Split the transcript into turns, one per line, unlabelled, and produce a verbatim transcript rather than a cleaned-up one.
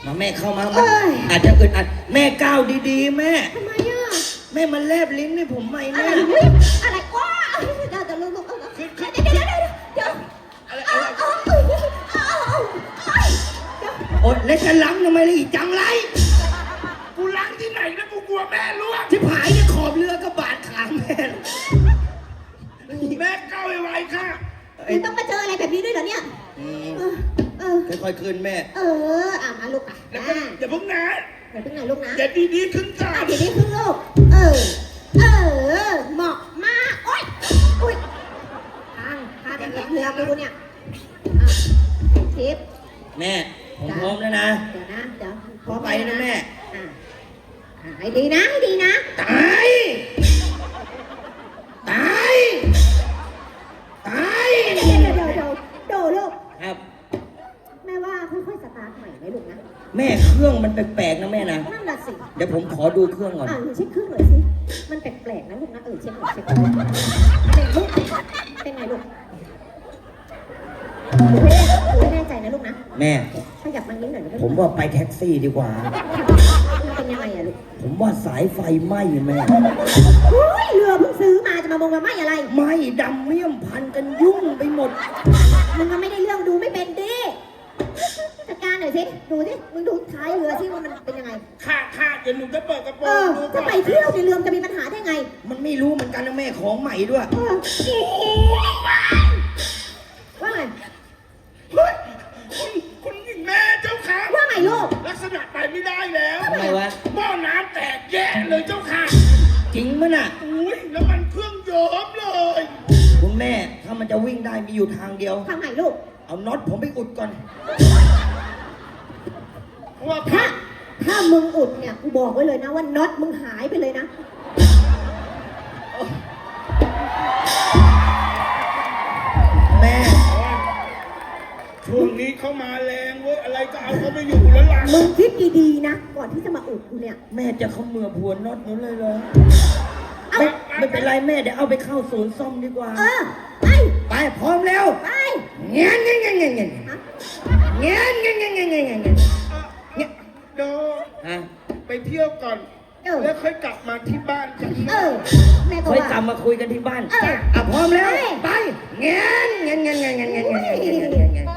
มาแม่เข้ามามันอาจจะอึดอัดแม่ก้าวดีๆแม่
ทำไมอ่ะ
แม่มันแลบลิ้นให้ผมไหมแม่
อะไรว้าเดี๋ยวเดี๋ยวลูกเดี๋ยวเดี๋ยวเดี๋ยวเดี๋ยวอะไร
อดแล้วจะล้างทำไมล่ะอีจังไร
กูล้างที่ไหนนะกูกลัวแม่ล่วง
ที่ผายเนี่ยขอบเรือก็บาดขาแม่
แม่ก้าวไวๆค่ะ
มึงต้องมาเจออะไรแบบนี้ด้วยเหรอเนี่ยเออ
ค่อยๆขึ้นแม่
เอออ่ะมาลูกอ่ะ
อย่าเพิ่งนะ
อย่าเพิ่งนะลูกนะ
อย่าดีๆขึ้นจ้า
อย่าดีๆขึ้นลูกเออเออเหมาะมากโอ๊ยอุ้ยทางพาเป็นเรือกูเนี่ยทิพย์
แม่ผมพร้อมแล้วนะ
เดี๋ยวนะเดี๋ยว
พร้อมไปนะแม่
ให้ดีนะให้ดีนะ
ตายตายตาย
เดี๋ยวเดี๋ยวเดี๋ยวโดลูก
ครับ
แม่ว่าค่อยๆสตาร์ทใหม่ไหมลูกนะ
แม่เครื่องมันแปลกๆนะแม่นะ
นั่นแหละสิ
เดี๋ยวผมขอดูเครื่องก่อน
อ่าเช็คเครื่องหน่อยสิมันแปลกๆนะลูกนะเออเช็คหน่อยเช็คหน่อยเป็นลูกเป็นไงลูกไม่แน่ใจนะลูกนะ
แม่
ขยับมานิดหน่อยนะ
ผมว่าไปแท็กซี่ดีกว่า
มันเป็นยังไงอะลูก
ผมว่าสายไฟไหม้แม่
เฮ้ยเรือเพิ่งซื้อมาจะมามองมาไหม้อะไร
ไหม้ดำเมี่ยมพันกันยุ่งไปหมด
มึงก็ไม่ได้เรื่องดูไม่เป็นดิจัดการหน่อยสิดูสิมึงดูท้ายเรือสิว่ามันเป็นยังไง
ค่ะค่ะเดี๋ยวหนูจะเปิดกระโปรงดู
จะไปเที่ยวในเรือจะมีปัญหาได้ไง
มันไม่รู้เหมือนกันนะแม่ของใหม่ด้วย
ว่าไง
เฮ้ยคุณคุณหญิงแม่เจ้าค่ะ
ว่าไงลูก
ลักษณะไปไม่ได้แล้ว
ทำไมวะ
หม้อน้ำแตกแย่เลยเจ้าค่ะ
จริงมั้ยน่ะ
อุ้ยแล้วมันเครื่องเยิ้มเลย
คุณแม่ถ้ามันจะวิ่งได้มีอยู่ทางเดียว
ทางไหนลูก
เอาน็อตผมไปอุดก่อน
ว่า
ถ้าถ้ามึงอุดเนี่ยกูบอกไว้เลยนะว่าน็อตมึงหายไปเลยนะ
แม่
ช่วงนี้เขามาแรงเว้ยอะไรก็เอาเขาไม่อยู่แล้วล่ะ
มึงคิดดีๆนะก่อนที่จะมาอุดกูเนี่ย
แม่จะเขาเมื่อพวนน็อตนู้นเลยเลยไม่ไม่เป็นไรแม่เดี๋ยวเอาไปเข้าศูนย์ซ่อมดีกว่า
เออไป
ไปพร้อมแล้ว
ไป
เงี้ยเงี้ยเงี้ยเงี้ยเงี้ยเงี้ยเงี้ยเงี้ยเงี้ยเงี้ยเงี้ยเงี้ยเงี้ย
โด
ฮะ
ไปเที่ยวก่อนแล้วค่อยกลับมาที่บ้านกัน
เออแม่ก็
ค่อยกลับมาคุยกันที่บ้านอ่ะพร้อมแล้วไปเงี้ยเงี้ยเงี้ยเงี้ยเงี้ยเงี้ยเงี้ยเงี้ย